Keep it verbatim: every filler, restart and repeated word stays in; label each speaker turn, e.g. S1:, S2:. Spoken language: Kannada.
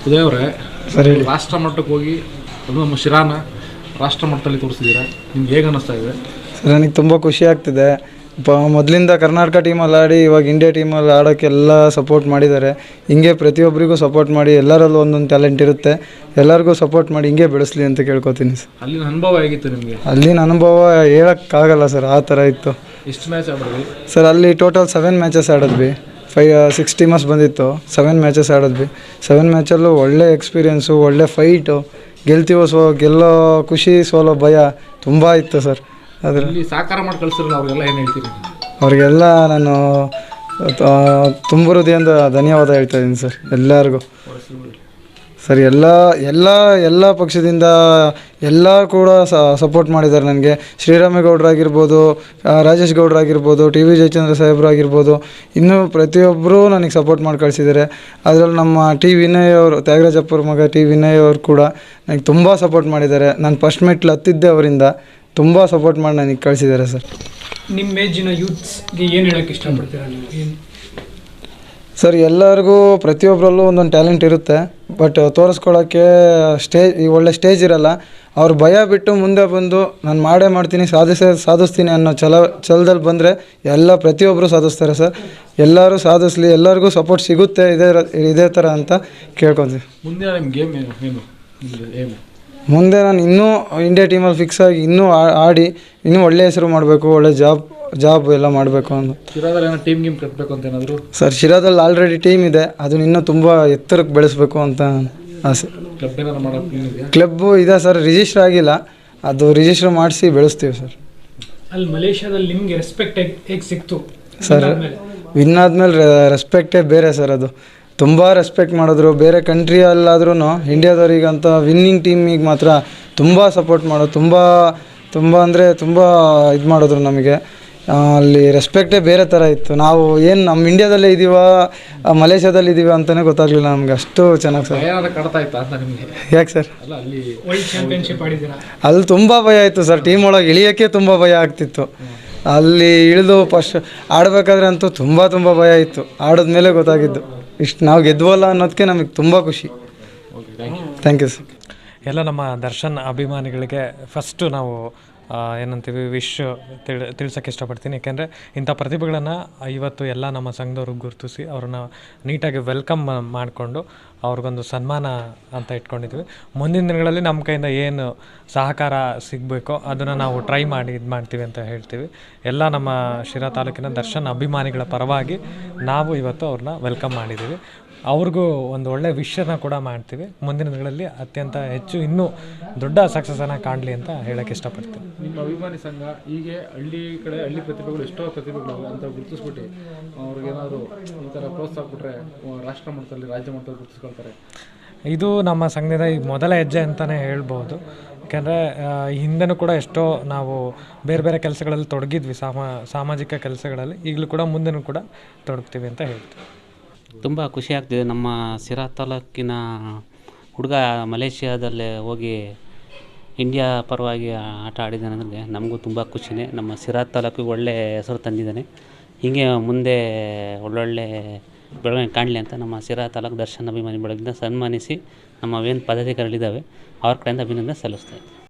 S1: ಉದಯ್ ಅವರೇ,
S2: ಸರಿ
S1: ರಾಷ್ಟ್ರ ಮಟ್ಟಕ್ಕೆ ಹೋಗಿ ಅದು ನಮ್ಮ ಶಿರಾನ ರಾಷ್ಟ್ರ ಮಟ್ಟದಲ್ಲಿ ತೋರಿಸಿದ್ದೀರಾ, ನಿಮ್ಗೆ ಹೇಗೆ ಅನ್ನಿಸ್ತಾ ಇದೆ?
S2: ಸರ್, ನನಗೆ ತುಂಬ ಖುಷಿ ಆಗ್ತಿದೆ. ಪ ಮೊದಲಿಂದ ಕರ್ನಾಟಕ ಟೀಮಲ್ಲಿ ಆಡಿ ಇವಾಗ ಇಂಡಿಯಾ ಟೀಮಲ್ಲಿ ಆಡೋಕ್ಕೆಲ್ಲ ಸಪೋರ್ಟ್ ಮಾಡಿದ್ದಾರೆ. ಹಿಂಗೆ ಪ್ರತಿಯೊಬ್ಬರಿಗೂ ಸಪೋರ್ಟ್ ಮಾಡಿ, ಎಲ್ಲರಲ್ಲೂ ಒಂದೊಂದು ಟ್ಯಾಲೆಂಟ್ ಇರುತ್ತೆ, ಎಲ್ಲರಿಗೂ ಸಪೋರ್ಟ್ ಮಾಡಿ ಹಿಂಗೆ ಬೆಳೆಸಲಿ ಅಂತ ಕೇಳ್ಕೊತೀನಿ ಸರ್.
S1: ಅಲ್ಲಿನ ಅನುಭವ ಹೇಗಿತ್ತು ನಿಮಗೆ?
S2: ಅಲ್ಲಿನ ಅನುಭವ ಹೇಳೋಕ್ಕಾಗಲ್ಲ ಸರ್, ಆ ಥರ ಇತ್ತು.
S1: ಎಷ್ಟು ಮ್ಯಾಚ್ ಆಡಿದ್ವಿ
S2: ಸರ್? ಅಲ್ಲಿ ಟೋಟಲ್ ಸೆವೆನ್ ಮ್ಯಾಚಸ್ ಆಡಿದ್ವಿ. ಫೈ ಸಿಕ್ಸ್ ಟೀಮರ್ಸ್ ಬಂದಿತ್ತು, ಸೆವೆನ್ ಮ್ಯಾಚಸ್ ಆಡಿದ್ವಿ. ಸೆವೆನ್ ಮ್ಯಾಚಲ್ಲೂ ಒಳ್ಳೆ ಎಕ್ಸ್ಪೀರಿಯೆನ್ಸು, ಒಳ್ಳೆ ಫೈಟು, ಗೆಲ್ತೀವೋ ಸೋ ಗೆಲ್ಲೋ ಖುಷಿ, ಸೋಲೋ ಭಯ ತುಂಬ ಇತ್ತು ಸರ್.
S1: ಅದರಲ್ಲಿ ಸಾಕಾರ ಮಾಡಿ ಕಳಿಸಿರಲ್ಲ, ಅವ್ರಿಗೆಲ್ಲ ಏನು ಹೇಳ್ತೀರಿ?
S2: ಅವ್ರಿಗೆಲ್ಲ ನಾನು ತುಂಬ ಹೃದಯದಿಂದ ಧನ್ಯವಾದ ಹೇಳ್ತಾ ಇದ್ದೀನಿ ಸರ್, ಎಲ್ಲರಿಗೂ. ಸರ್, ಎಲ್ಲ ಎಲ್ಲ ಎಲ್ಲ ಪಕ್ಷದಿಂದ ಎಲ್ಲ ಕೂಡ ಸಪೋರ್ಟ್ ಮಾಡಿದ್ದಾರೆ ನನಗೆ. ಶ್ರೀರಾಮೇಗೌಡರಾಗಿರ್ಬೋದು, ರಾಜೇಶ್ ಗೌಡರಾಗಿರ್ಬೋದು, ಟಿ ವಿ ಜಯಚಂದ್ರ ಸಾಹೇಬ್ರು ಆಗಿರ್ಬೋದು, ಇನ್ನೂ ಪ್ರತಿಯೊಬ್ಬರೂ ನನಗೆ ಸಪೋರ್ಟ್ ಮಾಡಿ ಕಳಿಸಿದ್ದಾರೆ. ಅದರಲ್ಲಿ ನಮ್ಮ ಟಿ ವಿನಯ್ ಅವರು, ತ್ಯಾಗರಾಜಪ್ಪರ ಮಗ ಟಿ ವಿನಯ್ ಅವರು ಕೂಡ ನನಗೆ ತುಂಬ ಸಪೋರ್ಟ್ ಮಾಡಿದ್ದಾರೆ. ನಾನು ಫಸ್ಟ್ ಮೆಟ್ಲು ಹತ್ತಿದ್ದೆ ಅವರಿಂದ. ತುಂಬ ಸಪೋರ್ಟ್ ಮಾಡಿ ನನಗೆ ಕಳಿಸಿದ್ದಾರೆ ಸರ್.
S3: ನಿಮ್ಮ ಏಜಿನ ಯೂತ್ಸ್ಗೆ ಏನು ಹೇಳೋಕ್ಕೆ ಇಷ್ಟಪಡ್ತೀರಾ ನೀವು? ಏನು
S2: ಸರ್, ಎಲ್ಲರಿಗೂ ಪ್ರತಿಯೊಬ್ಬರಲ್ಲೂ ಒಂದೊಂದು ಟ್ಯಾಲೆಂಟ್ ಇರುತ್ತೆ, ಬಟ್ ತೋರಿಸ್ಕೊಳ್ಳೋಕ್ಕೆ ಸ್ಟೇಜ್ ಈ ಒಳ್ಳೆ ಸ್ಟೇಜ್ ಇರಲ್ಲ. ಅವ್ರು ಭಯ ಬಿಟ್ಟು ಮುಂದೆ ಬಂದು ನಾನು ಮಾಡೇ ಮಾಡ್ತೀನಿ, ಸಾಧಿಸೇ ಸಾಧಿಸ್ತೀನಿ ಅನ್ನೋ ಛಲ ಛಲದಲ್ಲಿ ಬಂದರೆ ಎಲ್ಲ ಪ್ರತಿಯೊಬ್ಬರು ಸಾಧಿಸ್ತಾರೆ ಸರ್. ಎಲ್ಲರೂ ಸಾಧಿಸ್ಲಿ, ಎಲ್ಲರಿಗೂ ಸಪೋರ್ಟ್ ಸಿಗುತ್ತೆ ಇದೇ ಇದೇ ಥರ ಅಂತ ಕೇಳ್ಕೊತೀವಿ.
S1: ಮುಂದೆ ನಿಮ್ಮ ಗೇಮ್ ಏನು ಏನು ಏನು
S2: ಮುಂದೆ ನಾನು ಇನ್ನೂ ಇಂಡಿಯಾ ಟೀಮಲ್ಲಿ ಫಿಕ್ಸ್ ಆಗಿ ಇನ್ನೂ ಆಡಿ ಇನ್ನೂ ಒಳ್ಳೆ ಹೆಸರು ಮಾಡಬೇಕು, ಒಳ್ಳೆ ಜಾಬ್ ಜಾಬ್ ಎಲ್ಲ ಮಾಡಬೇಕು ಅಂತ.
S1: ಶಿರಾದಲ್ಲಿ ಏನೋ ಟೀಮ್ ಗೇಮ್ ಕಟ್ಟಬೇಕು ಅಂತ ಏನಾದರೂ?
S2: ಸರ್, ಶಿರಾದಲ್ಲಿ ಆಲ್ರೆಡಿ ಟೀಮ್ ಇದೆ, ಅದನ್ನ ಇನ್ನೂ ತುಂಬ ಎತ್ತರಕ್ಕೆ ಬೆಳೆಸಬೇಕು ಅಂತ ಆಸೆ.
S1: ಕ್ಲಬ್ ಏನಾದ್ರು ಮಾಡೋಕ್ಕೆ?
S2: ಕ್ಲಬ್ಬು ಇದೆ ಸರ್, ರಿಜಿಸ್ಟರ್ ಆಗಿಲ್ಲ, ಅದು ರಿಜಿಸ್ಟರ್ ಮಾಡಿಸಿ ಬೆಳೆಸ್ತೀವಿ ಸರ್.
S3: ಅಲ್ಲಿ ಮಲೇಷ್ಯಾದಲ್ಲಿ ನಿಮಗೆ ರೆಸ್ಪೆಕ್ಟ್ ಹೇಗೆ ಸಿಕ್ತು
S2: ಸರ್? ವಿನ್ ಆದಮೇಲೆ ರೆಸ್ಪೆಕ್ಟೇ ಬೇರೆ ಸರ್. ಅದು ತುಂಬ ರೆಸ್ಪೆಕ್ಟ್ ಮಾಡಿದ್ರು. ಬೇರೆ ಕಂಟ್ರಿಯಲ್ಲಾದ್ರೂ ಇಂಡಿಯಾದವ್ರಿಗಂತ ವಿನ್ನಿಂಗ್ ಟೀಮಿಗೆ ಮಾತ್ರ ತುಂಬ ಸಪೋರ್ಟ್ ಮಾಡೋದು, ತುಂಬ ತುಂಬ ಅಂದರೆ ತುಂಬ ಇದು ಮಾಡಿದ್ರು ನಮಗೆ. ಅಲ್ಲಿ ರೆಸ್ಪೆಕ್ಟೇ ಬೇರೆ ಥರ ಇತ್ತು. ನಾವು ಏನು ನಮ್ಮ ಇಂಡಿಯಾದಲ್ಲೇ ಇದ್ದೀವ ಮಲೇಷ್ಯಾದಲ್ಲಿ ಇದ್ದೀವ ಅಂತಲೇ ಗೊತ್ತಾಗಲಿಲ್ಲ ನಮಗೆ, ಅಷ್ಟು ಚೆನ್ನಾಗಿ ಸರ್.
S1: ಏನಾದ್ರು ಕಡ್ತಾ ಇತ್ತಾ ಅಂತ ನಿಮಗೆ?
S2: ಯಾಕೆ ಸರ್?
S1: ಅಲ್ಲ, ಅಲ್ಲಿ
S3: ವರ್ಲ್ಡ್ ಚಾಂಪಿಯನ್ಶಿಪ್ ಆಡಿದ್ದೀರಾ?
S2: ಅಲ್ಲಿ ತುಂಬ ಭಯ ಇತ್ತು ಸರ್, ಟೀಮ್ ಒಳಗೆ ಇಳಿಯೋಕ್ಕೆ ತುಂಬ ಭಯ ಆಗ್ತಿತ್ತು. ಅಲ್ಲಿ ಇಳಿದು ಫಸ್ಟ್ ಆಡಬೇಕಾದ್ರೆ ಅಂತೂ ತುಂಬ ತುಂಬ ಭಯ ಇತ್ತು. ಆಡಿದ್ಮೇಲೆ ಗೊತ್ತಾಗಿದ್ದು ಇಷ್ಟು ನಾವು ಗೆದ್ವಲ್ಲ ಅನ್ನೋದಕ್ಕೆ ನಮಗೆ ತುಂಬ ಖುಷಿ. Thank you sir.
S4: ಎಲ್ಲ ನಮ್ಮ ದರ್ಶನ್ ಅಭಿಮಾನಿಗಳಿಗೆ ಫಸ್ಟು ನಾವು ಏನಂತೀವಿ ವಿಶ್ ತಿಳಿ ತಿಳ್ಸೋಕ್ಕೆ ಇಷ್ಟಪಡ್ತೀನಿ. ಏಕೆಂದರೆ ಇಂಥ ಪ್ರತಿಭೆಗಳನ್ನು ಇವತ್ತು ಎಲ್ಲ ನಮ್ಮ ಸಂಘದವ್ರು ಗುರುತಿಸಿ ಅವ್ರನ್ನ ನೀಟಾಗಿ ವೆಲ್ಕಮ್ ಮಾಡಿಕೊಂಡು ಅವ್ರಿಗೊಂದು ಸನ್ಮಾನ ಅಂತ ಇಟ್ಕೊಂಡಿದ್ವಿ. ಮುಂದಿನ ದಿನಗಳಲ್ಲಿ ನಮ್ಮ ಕೈಯಿಂದ ಏನು ಸಹಕಾರ ಸಿಗಬೇಕೋ ಅದನ್ನು ನಾವು ಟ್ರೈ ಮಾಡಿ ಇದು ಮಾಡ್ತೀವಿ ಅಂತ ಹೇಳ್ತೀವಿ. ಎಲ್ಲ ನಮ್ಮ ಶಿರಾ ತಾಲೂಕಿನ ದರ್ಶನ್ ಅಭಿಮಾನಿಗಳ ಪರವಾಗಿ ನಾವು ಇವತ್ತು ಅವ್ರನ್ನ ವೆಲ್ಕಮ್ ಮಾಡಿದ್ದೀವಿ. ಅವ್ರಿಗೂ ಒಂದು ಒಳ್ಳೆಯ ವಿಷಯನ ಕೂಡ ಮಾಡ್ತೀವಿ. ಮುಂದಿನ ದಿನಗಳಲ್ಲಿ ಅತ್ಯಂತ ಹೆಚ್ಚು ಇನ್ನೂ ದೊಡ್ಡ ಸಕ್ಸಸ್ಸನ್ನು ಕಾಣಲಿ ಅಂತ ಹೇಳೋಕ್ಕೆ ಇಷ್ಟಪಡ್ತೀನಿ.
S1: ನಿಮ್ಮ ಅಭಿಮಾನಿ ಸಂಘ ಹೀಗೆ ಹಳ್ಳಿ ಕಡೆ ಹಳ್ಳಿ ಪ್ರತಿಭೆಗಳು ಎಷ್ಟೋ ಪ್ರತಿಭೆಗಳು ಅಂತ ಗುರುತಿಸ್ಬಿಟ್ಟು ಅವ್ರಿಗೇನಾದರೂ ಈ ಥರ ಪ್ರೋತ್ಸಾಹ ಕೊಟ್ಟರೆ ರಾಷ್ಟ್ರ ಮಟ್ಟದಲ್ಲಿ ರಾಜ್ಯ ಮಟ್ಟದಲ್ಲಿ ಗುರುತಿಸ್ಕೊಳ್ತಾರೆ.
S4: ಇದು ನಮ್ಮ ಸಂಘದ ಈ ಮೊದಲ ಹೆಜ್ಜೆ ಅಂತಲೇ ಹೇಳ್ಬೋದು. ಯಾಕೆಂದರೆ ಹಿಂದೆನೂ ಕೂಡ ಎಷ್ಟೋ ನಾವು ಬೇರೆ ಬೇರೆ ಕೆಲಸಗಳಲ್ಲಿ ತೊಡಗಿದ್ವಿ, ಸಾಮಾ ಸಾಮಾಜಿಕ ಕೆಲಸಗಳಲ್ಲಿ. ಈಗಲೂ ಕೂಡ ಮುಂದೆನೂ ಕೂಡ ತೊಡಗ್ತೀವಿ ಅಂತ ಹೇಳ್ತೀವಿ.
S5: ತುಂಬ ಖುಷಿ ಆಗ್ತಿದೆ. ನಮ್ಮ ಸಿರಾ ತಾಲೂಕಿನ ಹುಡುಗ ಮಲೇಷ್ಯಾದಲ್ಲೇ ಹೋಗಿ ಇಂಡಿಯಾ ಪರವಾಗಿ ಆಟ ಆಡಿದ್ದಾನೆ ಅಂದರೆ ನಮಗೂ ತುಂಬ ಖುಷಿನೇ. ನಮ್ಮ ಸಿರಾ ತಾಲೂಕಿಗೆ ಒಳ್ಳೆಯ ಹೆಸರು ತಂದಿದ್ದಾನೆ. ಹೀಗೆ ಮುಂದೆ ಒಳ್ಳೊಳ್ಳೆ ಬೆಳವಣಿಗೆ ಕಾಣಲಿ ಅಂತ ನಮ್ಮ ಸಿರಾ ತಾಲೂಕು ದರ್ಶನ್ ಅಭಿಮಾನಿ ಬಳಗದಿಂದ ಸನ್ಮಾನಿಸಿ ನಮ್ಮ ಏನು ಪದಾಧಿಕಾರಿಗಳಿದ್ದಾವೆ ಅವ್ರ ಕಡೆಯಿಂದ ಅಭಿನಂದನೆ ಸಲ್ಲಿಸ್ತಾ ಇದ್ದೀವಿ.